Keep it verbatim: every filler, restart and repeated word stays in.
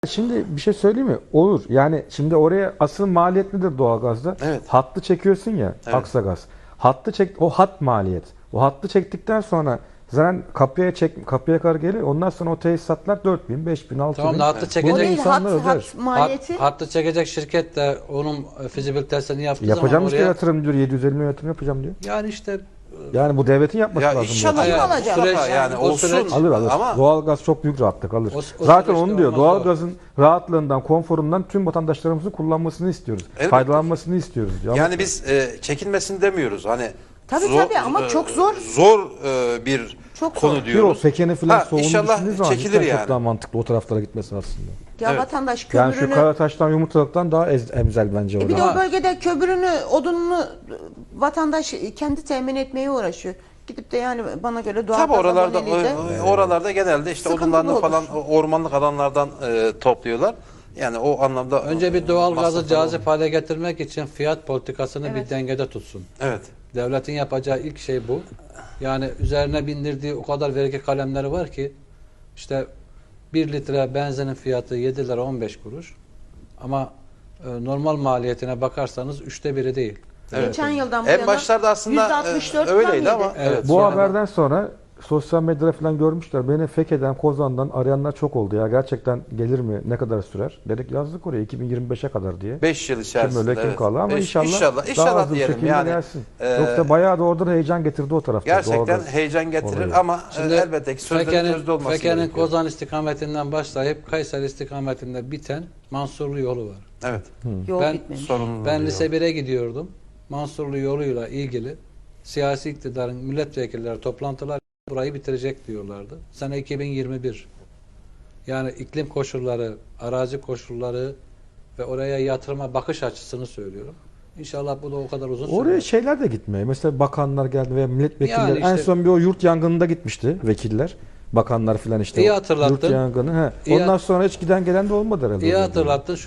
Şimdi bir şey söyleyeyim mi? Olur. Yani şimdi oraya asıl maliyet nedir doğalgazda? Evet. Hattı çekiyorsun ya, Evet. Aksagaz. Hattı çek, o hat maliyet. O hattı çektikten sonra zaten kapıya çek, kapıya kadar gelir. Ondan sonra o tesisatlar dört bin, beş bin, altı bin. Tamam da hattı Bunu çekecek. O değil, insanlar hat, öder. hat maliyeti. Hat, hattı çekecek şirket de onun fizibilitesini yaptığı Yapacağım zaman işte oraya... yatırım diyor. yedi yüz elli milyon yatırım yapacağım diyor. Yani işte Yani bu devletin yapması Ya lazım. inşallah Kim ya, alacak? Mustafa, Süreç- yani o olsun. süreç- Alır alır. Ama Doğalgaz çok büyük rahatlık alır. O- o Zaten süreçte onu diyor. olmaz Doğalgazın rahatlığından, konforundan tüm vatandaşlarımızın kullanmasını istiyoruz. Elbette. Faydalanmasını istiyoruz diyor. Ama yani biz e, çekinmesin demiyoruz. Hani Tabii, tabii, ama e, çok zor. Zor e, bir Çok konu zor. bir o diyoruz. Peken'i falan Ha, soğunu inşallah düşündüğü zaman çekilir cidden yani. çok daha mantıklı o taraflara gitmesi aslında. Ya Evet. vatandaş Yani kömürünü... şu Karataş'tan Yumurtalık'tan daha ez, emzel bence E bir orada. de o bölgede kömürünü, odununu vatandaş kendi temin etmeye uğraşıyor. Gidip de yani bana göre doğal Tabii gaz oralarda aboneliği de- e, oralarda genelde işte Sıkıntılı odunlarını olur. falan ormanlık alanlardan e, topluyorlar. Yani o anlamda önce bir doğal gazı masrafları cazip olur. hale getirmek için fiyat politikasını Evet. bir dengede tutsun. Evet. Devletin yapacağı ilk şey bu. Yani üzerine bindirdiği o kadar vergi kalemleri var ki işte bir litre benzinin fiyatı yedi lira on beş kuruş ama e, normal maliyetine bakarsanız üçte biri değil. Evet. Geçen yıldan bu En yana başlarda aslında yüzde altmış dört e, öyleydi zam ama yedi. Evet. Bu yani- haberden sonra sosyal medyada falan görmüşler. Beni Fekke'den, Kozan'dan arayanlar çok oldu ya. Gerçekten gelir mi? Ne kadar sürer? Dedik yazdık oraya iki bin yirmi beşe kadar diye. beş yıl Kim içerisinde. öyle kim evet. kaldı ama Beş- inşallah, inşallah, daha inşallah hızlı bir diyelim şekilde yani. gelsin. e, Yoksa bayağı da orada da heyecan getirdi o tarafta. Gerçekten doğalgaz. heyecan getirir Orayı. ama e, Şimdi elbette ki sözde Fekke'nin, sözde olması Fekke'nin gerekiyor. Kozan istikametinden başlayıp Kayseri istikametinde biten Mansurlu yolu var. Evet. Yol Ben- bitmemiş. Sorunlu Ben oluyor. lise bire gidiyordum. Mansurlu yoluyla ilgili siyasi iktidarın milletvekilleri toplantılar burayı bitirecek diyorlardı. Sene iki bin yirmi bir. Yani iklim koşulları, arazi koşulları ve oraya yatırıma bakış açısını söylüyorum. İnşallah bu da o kadar uzun Oraya sürer. şeyler de gitmiyor. Mesela bakanlar geldi veya milletvekilleri. Yani işte- en son bir o yurt yangınında gitmişti vekiller. Bakanlar filan işte. İyi o hatırlattın. Yurt yangını. He. İyi Ondan hat- sonra hiç giden gelen de olmadı herhalde. İyi oraya. hatırlattın. Şu